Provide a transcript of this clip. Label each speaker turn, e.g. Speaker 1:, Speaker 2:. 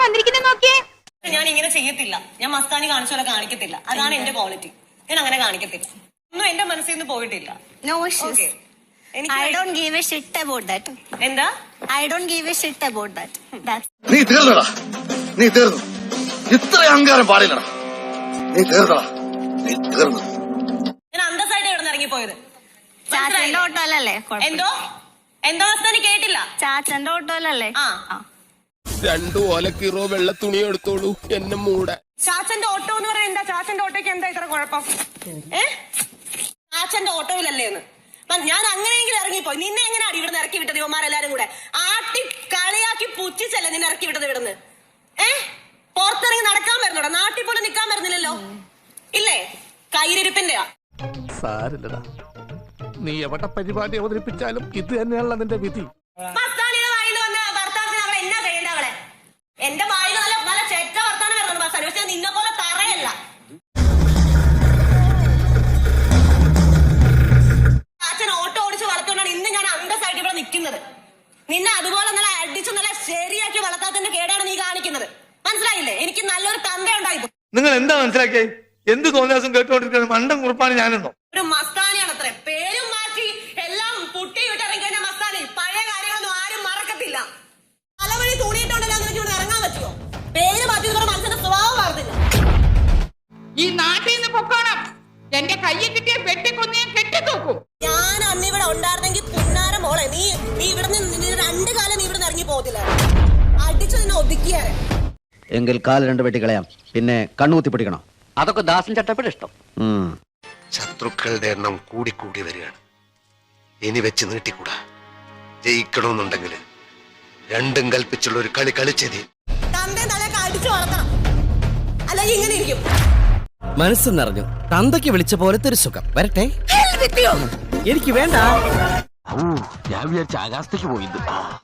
Speaker 1: വന്നിരിക്കുന്നത് നോക്കിയേ.
Speaker 2: ഞാൻ ഇങ്ങനെ ചെയ്യത്തില്ല, ഞാൻ മസ്താനി കാണിച്ച പോലെ കാണിക്കത്തില്ല. അതാണ് എന്റെ ക്വാളിറ്റി. ഞാൻ അങ്ങനെ കാണിക്കത്തില്ല. ഒന്നും എന്റെ മനസ്സിൽ നിന്ന് പോയിട്ടില്ല.
Speaker 1: No issues. I don't give a shit about that.
Speaker 2: എന്താ?
Speaker 1: I don't give a shit about that. That's.
Speaker 3: നീ തീർന്നടാ, നീ തീർന്നു. ഇത്ര അഹങ്കാരം പാടില്ലടാ. നീ തീർന്നടാ, നീ തീർന്നു.
Speaker 2: ഞാൻ അന്തസ്സായിട്ട് ഇവിടെ നിന്ന് ഇറങ്ങിപ്പോയത്.
Speaker 1: ചാച്ചന്റെ ഓട്ടോയിലല്ലേ?
Speaker 2: എന്തോ എന്തോ മസ്താനി കേട്ടില്ല.
Speaker 1: ചാച്ചന്റെ ഓട്ടോയിലല്ലേ?
Speaker 2: ആ
Speaker 4: 2 ഓലക്കീറോ വെള്ള തുണി എടുത്തോളൂ എന്നെ മൂടെ.
Speaker 2: ചാച്ചന്റെ ഓട്ടോ എന്ന് പറയാൻ എന്താ? ചാച്ചന്റെ ഓട്ടോയ്ക്ക് എന്താ ഇത്ര കുഴപ്പം? ചാച്ചന്റെ ഓട്ടോയിലല്ലേ എന്ന് ഞാൻ അങ്ങനെയെങ്കിലും ഇറങ്ങിപ്പോയി. നിന്നെ എങ്ങനെയാണ് ഇവിടുന്ന് ഇറക്കി വിട്ടത്? ഇവന്മാരെല്ലാരും കൂടെ ആട്ടി കളിയാക്കി പുച്ഛിച്ചല്ലേ നിന്നെ ഇറക്കി വിട്ടത് ഇവിടുന്ന്? പുറത്തിറങ്ങി നടക്കാൻ വരുന്നോടാ? നാട്ടിൽ പോലും നിൽക്കാൻ വരുന്നില്ലല്ലോ. ഇല്ലേ? കയ്യിരിപ്പിന്റെയാ.
Speaker 4: സാരില്ലടാ, നീ എവിടെ പരിപാടി അവതരിപ്പിച്ചാലും ഇത് തന്നെയാണല്ലോ നിന്റെ വിധി.
Speaker 2: മസ്താനിയുടെ വായിൽ വന്ന ഭർത്താവിന് അവൾ എന്നാ ചെയ്യേണ്ട? അവളെ എന്റെ വായിൽ നല്ല നല്ല ചെറ്റ വർത്താനം വരുന്നുണ്ട് മസ്താനി. പക്ഷെ നിന്നെ പോലെ തറയല്ല. അച്ഛൻ ഓട്ടോ ഓടിച്ച് വളർത്തുകൊണ്ടാണ് ഇന്ന് ഞാൻ അന്തസ്സായിട്ട് ഇവിടെ നിൽക്കുന്നത്. നിന്നെ അതുപോലെ നല്ല അടിച്ച് നല്ല ശരിയാക്കി വളർത്താത്തതിന്റെ കേടാണ് നീ കാണിക്കുന്നത്. മനസ്സിലായില്ലേ? എനിക്ക് നല്ലൊരു തന്ത ഉണ്ടായിരുന്നു.
Speaker 5: നിങ്ങൾ എന്താ മനസ്സിലാക്കിയേ? എന്ത് തോന്നിയാസം കേട്ടുകൊണ്ടിരിക്കുന്നത്? മണ്ടം കുറിപ്പാണ് ഞാനെന്നോ?
Speaker 2: ഒരു മസ്താനിയാണ് അത്രേ. പേരും മാറ്റി എല്ലാം പുട്ടി വിട്ടിറങ്ങി കഴിഞ്ഞാൽ മസ്താനി പഴയ കാര്യങ്ങളൊന്നും ആരും മറക്കത്തില്ല. തലവഴി തൂണിയിട്ടുണ്ടല്ലോ എന്ന് ഇവിടെ ഇറങ്ങാൻ പറ്റുമോ? പേര് മാറ്റിയതോടെ മനസ്സിന്റെ സ്വഭാവം മാറുന്നില്ല.
Speaker 6: ഈ നാട്ടിൽ നിന്ന് പൊക്കോണം. എന്റെ കയ്യെ കിട്ടിയ വെട്ടിക്കൊന്ന് ഞാൻ കെട്ടിത്തൂക്കും.
Speaker 2: ഞാൻ അന്ന് ഇവിടെ ഉണ്ടായിരുന്നെങ്കിൽ പുന്നാര മോളെ നീ ഇവിടെ നിന്ന് 2 കാലം നീ ഇവിടെ നിന്ന് ഇറങ്ങി പോകത്തില്ല. അടിച്ചു നിന്നെ ഒതുക്കിയാരെ.
Speaker 7: എങ്കിൽ കാല് 2 വെട്ടി കളയാം, പിന്നെ കണ്ണുകുത്തി പിടിക്കണം.
Speaker 8: അതൊക്കെ ദാസൻ ചട്ടപ്പടി ഇഷ്ടം.
Speaker 3: ശത്രുക്കളുടെ എണ്ണം കൂടിക്കൂടി വരികയാണ്. ഇനി വെച്ച് നീട്ടിക്കൂടാ. ജയിക്കണമെന്നുണ്ടെങ്കിൽ രണ്ടും കൽപ്പിച്ചുള്ള ഒരു കളി കളിച്ചതി.
Speaker 2: തന്റെ തലയൊക്കെ അടിച്ചു വളർത്തണം, അല്ലെങ്കിൽ ഇങ്ങനെ ഇരിക്കും.
Speaker 9: മനസ്സ് നിറഞ്ഞു. തന്തയ്ക്ക് വിളിച്ച പോലത്തെ ഒരു സുഖം. വരട്ടെ. എനിക്ക് വേണ്ട.
Speaker 4: ഞാൻ വിചാരിച്ച ആകാശത്തേക്ക് പോയിದ್ದು.